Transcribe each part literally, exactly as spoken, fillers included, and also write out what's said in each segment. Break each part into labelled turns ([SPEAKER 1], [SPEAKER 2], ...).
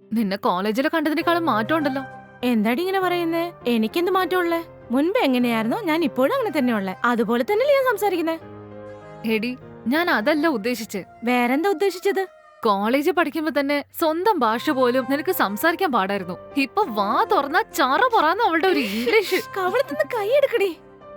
[SPEAKER 1] നിന്നെ കോളേജിൽ കണ്ടതിനേക്കാളും മാറ്റം ഉണ്ടല്ലോ.
[SPEAKER 2] എന്താടി ഇങ്ങനെ പറയുന്നേ? എനിക്കെന്ത് മാറ്റമുള്ളേ? മുൻപ് എങ്ങനെയായിരുന്നോ ഞാൻ ഇപ്പോഴും അങ്ങനെ തന്നെ ഉള്ളേ. അതുപോലെ തന്നെയല്ലേ ഞാൻ സംസാരിക്കുന്നേ.
[SPEAKER 1] എടി, ഞാൻ അതല്ല ഉദ്ദേശിച്ചേ.
[SPEAKER 2] വേറെന്താ ഉദ്ദേശിച്ചത്?
[SPEAKER 1] കോളേജിൽ പഠിക്കുമ്പോ തന്നെ സ്വന്തം ഭാഷ പോലും നിനക്ക് സംസാരിക്കാൻ പാടായിരുന്നു. ഇപ്പൊ വാ തുറന്ന ചാറ പൊറാന്ന് അവളുടെ ഒരു ഇംഗ്ലീഷ്.
[SPEAKER 2] കവളത്തുനിന്ന് കൈയെടുക്കടി.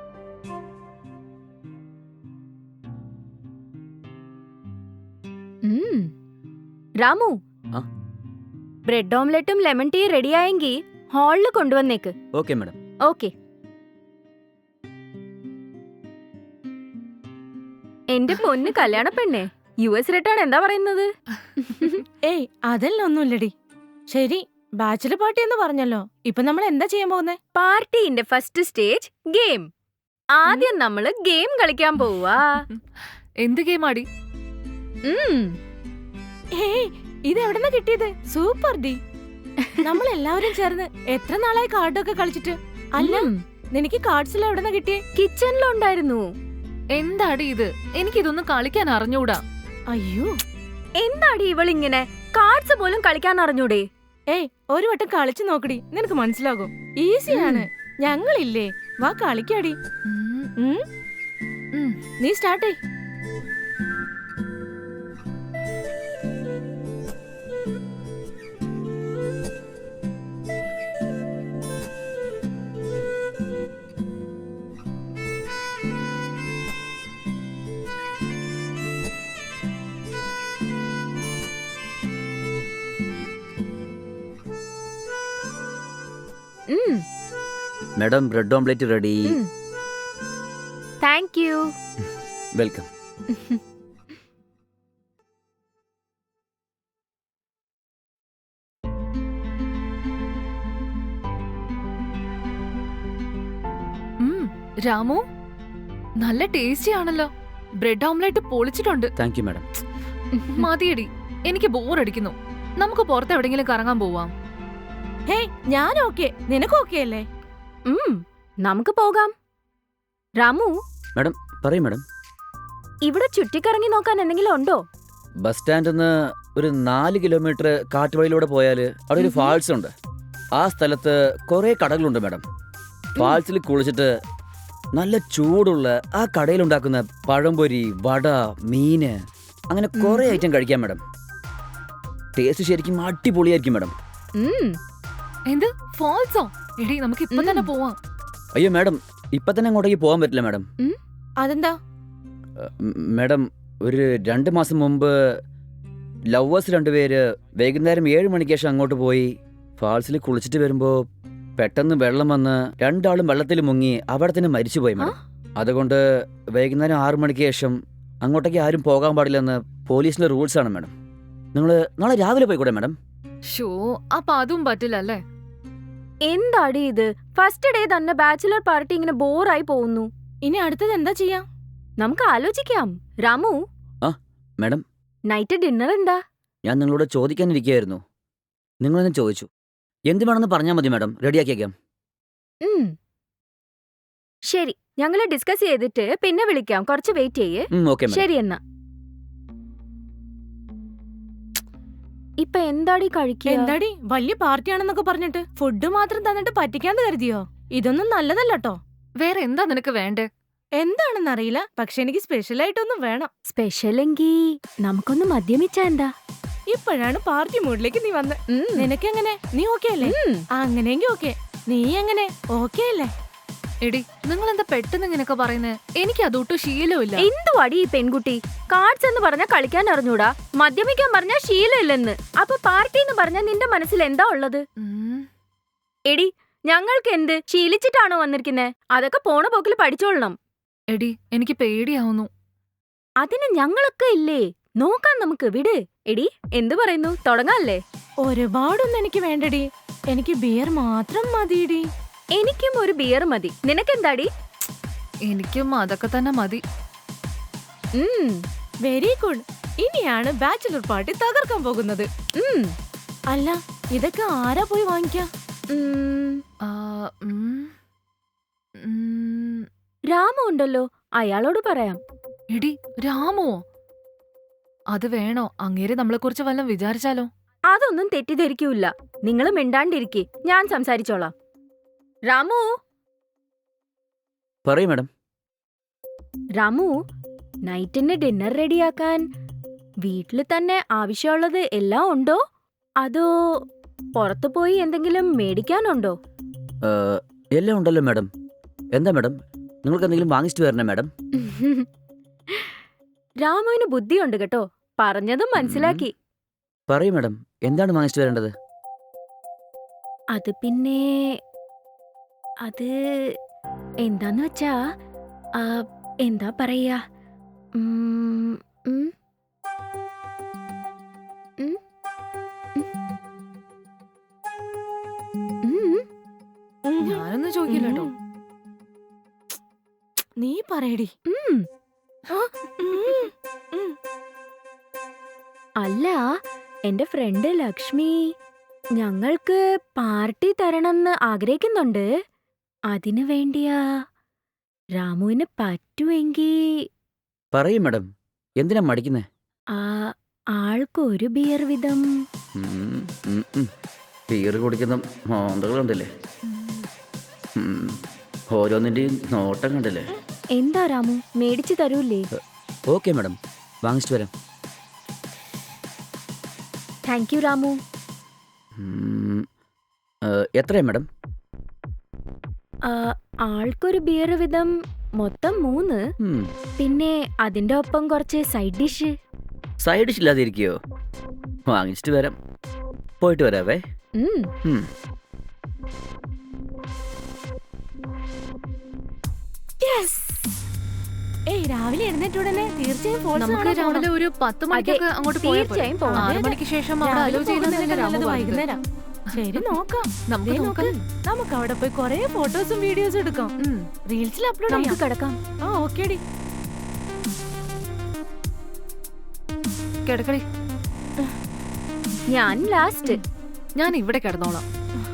[SPEAKER 3] രാമു,
[SPEAKER 4] ആ?
[SPEAKER 3] ബ്രെഡ് ഓംലെറ്റും ലെമൺ ടീ റെഡിയായെങ്കിൽ ഹാളിൽ കൊണ്ടുവന്നേക്ക്.
[SPEAKER 4] Okay madam.
[SPEAKER 3] ഓക്കെ. എന്റെ പൊന്ന് കല്യാണ പെണ്ണേ, യു എസ് റിട്ടേൺ എന്താ പറയുന്നത്?
[SPEAKER 2] ഏയ് അതല്ല ഒന്നുമില്ലടി. ശരി, ബാച്ചിലർ പാർട്ടി എന്ന് പറഞ്ഞല്ലോ. ഇപ്പൊ നമ്മൾ എന്താ ചെയ്യാൻ പോകുന്നേ?
[SPEAKER 3] പാർട്ടിന്റെ ഫസ്റ്റ് സ്റ്റേജ് ഗെയിം. ആദ്യം നമ്മള് ഗെയിം കളിക്കാൻ പോവാ.
[SPEAKER 1] എന്ത് ഗെയിം ആടി?
[SPEAKER 2] ഏയ് ഇത് എവിടെന്നാ കിട്ടിയത്? സൂപ്പർ ഡി. നമ്മൾ എല്ലാവരും ചേർന്ന് എത്ര നാളായി കാർഡൊക്കെ കളിച്ചിട്ട്. അല്ല, നിനക്ക് കാർഡ്സ് എവിടെന്നാ കിട്ടിയേ?
[SPEAKER 3] കിച്ചണിലുണ്ടായിരുന്നു.
[SPEAKER 1] എന്താടി ഇത്? എനിക്കിതൊന്നും കളിക്കാൻ അറിഞ്ഞൂടാ.
[SPEAKER 2] അയ്യോ,
[SPEAKER 3] എന്താടി ഇവളിങ്ങനെ? കാർഡ്സ് പോലും കളിക്കാൻ അറിഞ്ഞൂടെ?
[SPEAKER 2] ഏയ് ഒരു വട്ടം കളിച്ചു നോക്കടി, നിനക്ക് മനസ്സിലാകും. ഈസിയാണ്. ഞങ്ങളില്ലേ, വാ കളിക്കാടി.
[SPEAKER 1] ഉം,
[SPEAKER 2] ഉം,
[SPEAKER 1] ഉം.
[SPEAKER 2] നീ സ്റ്റാർട്ട് ചെയ്.
[SPEAKER 4] Madam, bread omelette ready.
[SPEAKER 3] Thank you.
[SPEAKER 4] Welcome.
[SPEAKER 1] ഉം, രാമു, നല്ല ടേസ്റ്റി ആണല്ലോ. ബ്രെഡ് ഓംലെറ്റ് പൊളിച്ചിട്ടുണ്ട്.
[SPEAKER 4] Thank you madam.
[SPEAKER 1] മതിയടി, എനിക്ക് ബോറടിക്കുന്നു. നമുക്ക് പുറത്ത് എവിടെങ്കിലും കറങ്ങാൻ പോവാം.
[SPEAKER 2] ഹേയ് ഞാൻ ഓക്കെ, നിനക്ക് ഓക്കെ അല്ലേ?
[SPEAKER 3] ഉം, നമുക്ക് പോകാം. രാമു,
[SPEAKER 4] മാഡം പറയൂ മാഡം.
[SPEAKER 3] ഇവിടെ ചുറ്റിക്കറങ്ങി നോക്കാൻ എന്തെങ്കിലും ഉണ്ടോ?
[SPEAKER 4] ബസ് സ്റ്റാൻഡിൽ നിന്ന് ഒരു നാല് കിലോമീറ്റർ കാറ്റുവഴിയിലൂടെ പോയാൽ അവിടെ ഒരു ഫാൾസ് ഉണ്ട്. ആ സ്ഥലത്ത് കുറേ കടകളുണ്ട് മാഡം. ഫാൾസിൽ കുളിച്ചിട്ട് നല്ല ചൂടുള്ള ആ കടയിലുണ്ടാക്കുന്ന പഴംപൊരി, വട, മീന്, അങ്ങനെ കുറേ ഐറ്റം കഴിക്കാം മാഡം. ടേസ്റ്റ് ശരിക്കും അടിപൊളിയായിരിക്കും മാഡം.
[SPEAKER 3] ഉം,
[SPEAKER 1] എന്ത് ഫാൾസോ? എടി, നമുക്ക് ഇപ്പൊ തന്നെ പോവാം.
[SPEAKER 4] അയ്യോ മാഡം, ഇപ്പൊ തന്നെ അങ്ങോട്ടേക്ക് പോകാൻ പറ്റില്ല മാഡം.
[SPEAKER 2] അതെന്താ?
[SPEAKER 4] മാഡം, ഒരു രണ്ട് മാസം മുമ്പ് ലവേഴ്സ് രണ്ടുപേര് വൈകുന്നേരം ഏഴ് മണിക്ക് ശേഷം അങ്ങോട്ട് പോയി. ഫാൾസിൽ കുളിച്ചിട്ട് വരുമ്പോൾ പെട്ടെന്ന് വെള്ളം വന്ന് രണ്ടാളും വെള്ളത്തിൽ മുങ്ങി അവിടെ തന്നെ മരിച്ചുപോയി മാഡം. അതുകൊണ്ട് വൈകുന്നേരം ആറു മണിക്ക് ശേഷം അങ്ങോട്ടേക്ക് ആരും പോകാൻ പാടില്ലെന്ന് പോലീസിന്റെ റൂൾസ് ആണ് മാഡം. നിങ്ങൾ നാളെ രാവിലെ പോയിക്കൂടെ മാഡം?
[SPEAKER 1] ഷോ, അപ്പൊ അതും പറ്റില്ല അല്ലേ?
[SPEAKER 3] എന്താടി ഇത്? ഫസ്റ്റ് ഡേ തന്നെ ബാച്ചിലർ പാർട്ടി ഇങ്ങനെ ബോറായി പോകുന്നു.
[SPEAKER 2] ഇനി അടുത്തത് എന്താ ചെയ്യാ?
[SPEAKER 3] നമുക്ക് ആലോചിക്കാം. രാമു,
[SPEAKER 4] മാഡം,
[SPEAKER 3] നൈറ്റ് ഡിന്നർ എന്താ?
[SPEAKER 4] ഞാൻ നിങ്ങളോട് ചോദിക്കാനിരിക്കുകയായിരുന്നു. നിങ്ങളെന്നെ ചോദിച്ചു. എന്ത് വേണമെന്ന് പറഞ്ഞാൽ മതി മാഡം, റെഡിയാക്കിയേക്കാം.
[SPEAKER 3] ഉം, ശരി, ഞങ്ങള് ഡിസ്കസ് ചെയ്തിട്ട് പിന്നെ വിളിക്കാം. കുറച്ച് വെയിറ്റ് ചെയ്യേ.
[SPEAKER 4] Okay madam.
[SPEAKER 3] ശരി എന്നാ. ഇപ്പൊ എന്താടി കഴിക്കുക?
[SPEAKER 2] എന്താടി വലിയ പാർട്ടിയാണെന്നൊക്കെ പറഞ്ഞിട്ട് ഫുഡ് മാത്രം തന്നിട്ട് പറ്റിക്കാന്ന് കരുതിയോ? ഇതൊന്നും നല്ലതല്ലോ.
[SPEAKER 1] വേറെ എന്താ നിനക്ക് വേണ്ടേ?
[SPEAKER 2] എന്താണെന്നറിയില്ല, പക്ഷെ എനിക്ക് സ്പെഷ്യൽ ആയിട്ടൊന്നും വേണം.
[SPEAKER 3] സ്പെഷ്യലെങ്കി നമുക്കൊന്ന് മദ്യമിച്ചാ എന്താ?
[SPEAKER 2] ഇപ്പോഴാണ് പാർട്ടി മൂഡിലേക്ക് നീ വന്ന്.
[SPEAKER 3] ഉം,
[SPEAKER 2] നിനക്കെങ്ങനെ? നീ ഓക്കെ അല്ലേ?
[SPEAKER 3] ഉം.
[SPEAKER 2] അങ്ങനെയെങ്കിൽ ഓക്കെ. നീ എങ്ങനെ? ഓക്കെ അല്ലേ?
[SPEAKER 1] എടി, നിങ്ങൾ എന്താ പെട്ടെന്ന് ഇങ്ങനെയൊക്കെ പറയുന്നേ? എനിക്ക് അതൊട്ടും ശീലമില്ല.
[SPEAKER 3] എന്തുവാടി ഈ പെൺകുട്ടി? കാർഡ്സ് എന്ന് പറഞ്ഞാൽ കളിക്കാൻ അറിഞ്ഞൂടാ, മദ്യമിക്കാൻ പറഞ്ഞാൽ ശീലമില്ലെന്ന്. അപ്പൊ പാർട്ടി എന്ന് പറഞ്ഞാൽ നിന്റെ മനസ്സിൽ എന്താ ഉള്ളത്?
[SPEAKER 1] ഉം.
[SPEAKER 3] എടി, ഞങ്ങൾക്ക് എന്ത് ശീലിച്ചിട്ടാണോ വന്നിരിക്കുന്നേ? അതൊക്കെ പോണ പോക്കിൽ പഠിച്ചോളണം.
[SPEAKER 1] എടി, എനിക്ക് പേടിയാവുന്നു.
[SPEAKER 3] അതിന് ഞങ്ങളൊക്കെ ഇല്ലേ, നോക്കാൻ നമുക്ക്. വിട്. എടി, എന്തു പറയുന്നു? തുടങ്ങാല്ലേ?
[SPEAKER 2] ഒരുപാടൊന്നും എനിക്ക് വേണ്ടടി, എനിക്ക് ബിയർ മാത്രം മതിയടി.
[SPEAKER 3] എനിക്കും ഒരു ബിയർ മതി. നിനക്കെന്താടി?
[SPEAKER 1] എനിക്കും അതൊക്കെ തന്നെ മതി.
[SPEAKER 3] ഉം,
[SPEAKER 2] വെരി ഗുഡ്. ഇനിയാണ് ബാച്ചിലർ പാർട്ടി തകർക്കാൻ പോകുന്നത്.
[SPEAKER 3] ഉം,
[SPEAKER 2] അല്ല, ഇതൊക്കെ ആരാ പോയി വാങ്ങിക്കാ?
[SPEAKER 3] ഉം.
[SPEAKER 1] ആ, ഉം, ഉം.
[SPEAKER 3] രാമു ഉണ്ടല്ലോ, അയാളോട് പറയാം.
[SPEAKER 1] എടി, രാമുവോ? അത് വേണോ? അങ്ങേര് നമ്മളെ കുറിച്ച് വല്ലതും വിചാരിച്ചാലോ?
[SPEAKER 3] അതൊന്നും തെറ്റിദ്ധരിക്കൂല. നിങ്ങൾ മിണ്ടാണ്ടിരിക്കെ, ഞാൻ സംസാരിച്ചോളാം. രാമു
[SPEAKER 4] പറയൂ മാഡം.
[SPEAKER 3] രാമു, നൈറ്റിന് ഡിന്നർ റെഡിയാക്കാൻ വീട്ടിൽ തന്നെ ആവശ്യമുള്ളത് എല്ലാം ഉണ്ടോ, അതോ പുറത്തു പോയി എന്തെങ്കിലും മേടിക്കാനുണ്ടോ?
[SPEAKER 4] ഏഹ്, എല്ലാം ഉണ്ടല്ലോ മാഡം. എന്താ മാഡം, നിങ്ങൾക്ക് എന്തെങ്കിലും വാങ്ങിച്ചിട്ട് വരണേ മാഡം?
[SPEAKER 3] രാമുവിന് ബുദ്ധിയുണ്ട് കേട്ടോ, പറഞ്ഞതും മനസ്സിലാക്കി.
[SPEAKER 4] പറയൂ മാഡം, എന്താണ് വാങ്ങിച്ചിട്ട് വരേണ്ടത്?
[SPEAKER 3] അത് പിന്നെ അത് എന്താന്ന് വെച്ചാ, ആ, എന്താ പറയാ, ഉം, ഉം, ഉം, ഉം, ഉം,
[SPEAKER 1] ഞാനൊന്നും ചോദിക്കില്ല കേട്ടോ.
[SPEAKER 2] നീ പറയടി.
[SPEAKER 3] ഉം.
[SPEAKER 2] ആ, ഉം, ഉം.
[SPEAKER 3] അല്ല, എന്റെ ഫ്രണ്ട് ലക്ഷ്മി ഞങ്ങൾക്ക് പാർട്ടി തരണമെന്ന് ആഗ്രഹിക്കുന്നുണ്ട്. അതിനു വേണ്ടിയാ. രാമുവിന് പറ്റുമെങ്കി
[SPEAKER 4] പറയൂ മാഡം, എന്തിനാ മടിക്കുന്നേ?
[SPEAKER 3] ആ ആൾക്ക് ഒരു ബിയർ വീതം.
[SPEAKER 4] ബീർ കുടിക്കുന്ന മോന്തകളുണ്ടല്ലേ, ഉം, ഓരോന്നിൻ്റെയും നോട്ടം കണ്ടല്ലേ.
[SPEAKER 3] എന്താ രാമു, മേടിച്ചു തരൂലേ?
[SPEAKER 4] ഓക്കെ മാഡം, വാങ്ങിച്ചിട്ട് വരാം.
[SPEAKER 3] Thank you Ramu.
[SPEAKER 4] ഉം, ഏഹ്, എത്രയാ മാഡം?
[SPEAKER 3] ആ, ആൾക്കൊരു ബിയർ വീതം, മൊത്തം മൂന്ന്.
[SPEAKER 4] ഉം,
[SPEAKER 3] പിന്നെ അതിന്റെ ഒപ്പം കുറച്ച് സൈഡ് ഡിഷ്.
[SPEAKER 4] സൈഡ് ഡിഷ് ഇല്ലാതെ ഇരിക്കുകയോ? വാങ്ങിച്ചിട്ട് വരാം, പോയിട്ട് വരാവേ.
[SPEAKER 3] ഉം.
[SPEAKER 4] ഉം.
[SPEAKER 2] ഏയ് രാവിലെ എഴുന്നേറ്റ ഉടനെ തീർച്ചയായും falls
[SPEAKER 1] നമുക്ക്
[SPEAKER 2] കാണാൻ
[SPEAKER 1] രാവിലെ
[SPEAKER 2] പോണം.
[SPEAKER 1] ഒരു പത്ത് മണിക്കൊക്കെ അങ്ങോട്ട് പോയാൽ
[SPEAKER 3] തീർച്ചയായും പോണം.
[SPEAKER 1] ആറു മണിക്ക് ശേഷം അവിടെ
[SPEAKER 2] രാവിലെ
[SPEAKER 1] അലോ ചെയ്യുന്നതല്ലേ
[SPEAKER 2] പോകുന്നതിനേക്കാൾ
[SPEAKER 1] രാമു
[SPEAKER 2] നല്ലത്
[SPEAKER 1] പറഞ്ഞത്.
[SPEAKER 2] വൈകുന്നേരം. ശരി നോക്കാം.
[SPEAKER 1] നമുക്ക്
[SPEAKER 2] ദേ നോക്ക്.
[SPEAKER 1] നോക്കാം.
[SPEAKER 2] നമുക്ക് അവിടെ പോയി കൊറേ ഫോട്ടോസും വീഡിയോസും എടുക്കാം.
[SPEAKER 1] ഉം.
[SPEAKER 2] റീൽസിൽ അപ്ലോഡ്
[SPEAKER 3] നമുക്ക്
[SPEAKER 2] ചെയ്യാം.
[SPEAKER 3] കിടക്കാം.
[SPEAKER 2] ആ ഓക്കേടി.
[SPEAKER 1] കിടക്കടി,
[SPEAKER 3] ഞാൻ ലാസ്റ്റ്.
[SPEAKER 1] ഞാൻ ഇവിടെ കിടന്നോളാം.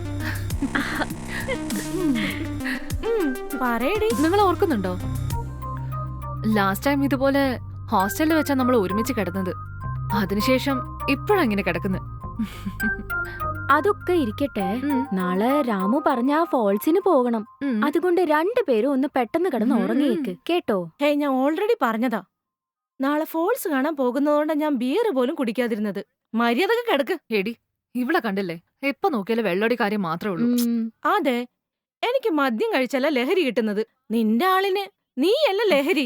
[SPEAKER 2] ഉം, പറയടി.
[SPEAKER 1] നിങ്ങൾ ഓർക്കുന്നുണ്ടോ, ലാസ്റ്റ് ടൈം ഇതുപോലെ ഹോസ്റ്റലിൽ വെച്ചാ നമ്മൾ ഒരുമിച്ച് കിടന്നത്. അതിനുശേഷം ഇപ്പോഴങ്ങനെ കിടക്കുന്നത്.
[SPEAKER 3] അതൊക്കെ ഇരിക്കട്ടെ,
[SPEAKER 1] ഉം.
[SPEAKER 3] നാളെ രാമു പറഞ്ഞ ആ ഫോൾസിന് പോകണം.
[SPEAKER 1] ഉം.
[SPEAKER 3] അതുകൊണ്ട് രണ്ടുപേരും ഒന്ന് പെട്ടെന്ന് കിടന്ന്
[SPEAKER 1] ഉം.
[SPEAKER 3] ഉറങ്ങിയേക്ക് കേട്ടോ.
[SPEAKER 2] ഹേ ഞാൻ ഓൾറെഡി പറഞ്ഞതാ, നാളെ ഫോൾസ് കാണാൻ പോകുന്നതുകൊണ്ടാ ഞാൻ ബിയർ പോലും കുടിക്കാതിരുന്നത്. മര്യാദക്ക് കിടക്ക്.
[SPEAKER 1] എടി, ഇവിടെ കണ്ടില്ലേ, എപ്പോ നോക്കിയാലും വെള്ളടി കാര്യം മാത്രമേ ഉള്ളൂ.
[SPEAKER 3] ഉം.
[SPEAKER 2] അതെ, എനിക്ക് മദ്യം കഴിച്ചല്ല ലഹരി കിട്ടുന്നത്. നിന്റെ ആളിന് നീയല്ല ലഹരി.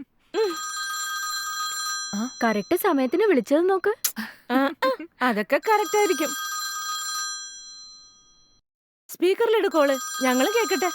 [SPEAKER 3] കറക്റ്റ് സമയത്തിന് വിളിച്ചത് നോക്ക്.
[SPEAKER 2] ആ, ആ, അതൊക്കെ കറക്റ്റ് ആയിരിക്കും. സ്പീക്കറിലിട് കോള്, ഞങ്ങളും കേക്കട്ടെ.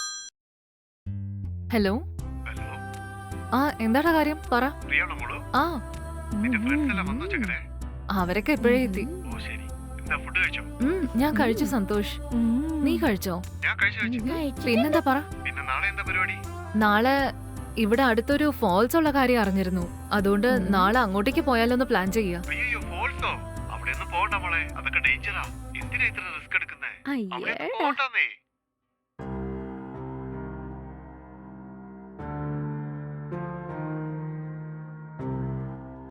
[SPEAKER 1] ഹലോ.
[SPEAKER 5] ഹലോ,
[SPEAKER 1] ആ എന്താടാ കാര്യം, പറ.
[SPEAKER 5] പ്രിയാണോ മോള്?
[SPEAKER 1] ആ
[SPEAKER 5] നിന്റെ ഫ്രണ്ട്സ് എല്ലാം വന്നോ ചെക്കനെ?
[SPEAKER 1] അവരൊക്കെ എപ്പോഴേ എത്തി.
[SPEAKER 5] ഓ ശരി. എന്താ ഫുഡ് കഴിച്ചോ?
[SPEAKER 1] ഉം, ഞാൻ കഴിച്ചു സന്തോഷ്.
[SPEAKER 2] ഉം.
[SPEAKER 1] നീ കഴിച്ചോ?
[SPEAKER 5] ഞാൻ കഴിച്ചു കഴിച്ചു.
[SPEAKER 1] പിന്നെന്താ പറ.
[SPEAKER 5] പിന്നെ നാളെ എന്താ പരിപാടി?
[SPEAKER 1] നാളെ ഇവിടെ അടുത്തൊരു ഫോൾസ് ഉള്ള കാര്യം അറിഞ്ഞിരുന്നു. അതുകൊണ്ട്
[SPEAKER 2] ഉം.
[SPEAKER 1] നാളെ അങ്ങോട്ടേക്ക് പോയാലൊന്ന് പ്ലാൻ ചെയ്യാ.
[SPEAKER 5] അയ്യോ ഫോൾസോ? അവിടെ ഒന്നും പോകണ്ട മോളെ, അതൊക്കെ ഡേഞ്ചറാ. എന്തിനാ ഇത്ര റിസ്ക് എടുക്കുന്നേ? അവിടെ
[SPEAKER 3] അയ്യേടാ.
[SPEAKER 5] പോകണ്ടെന്നേ.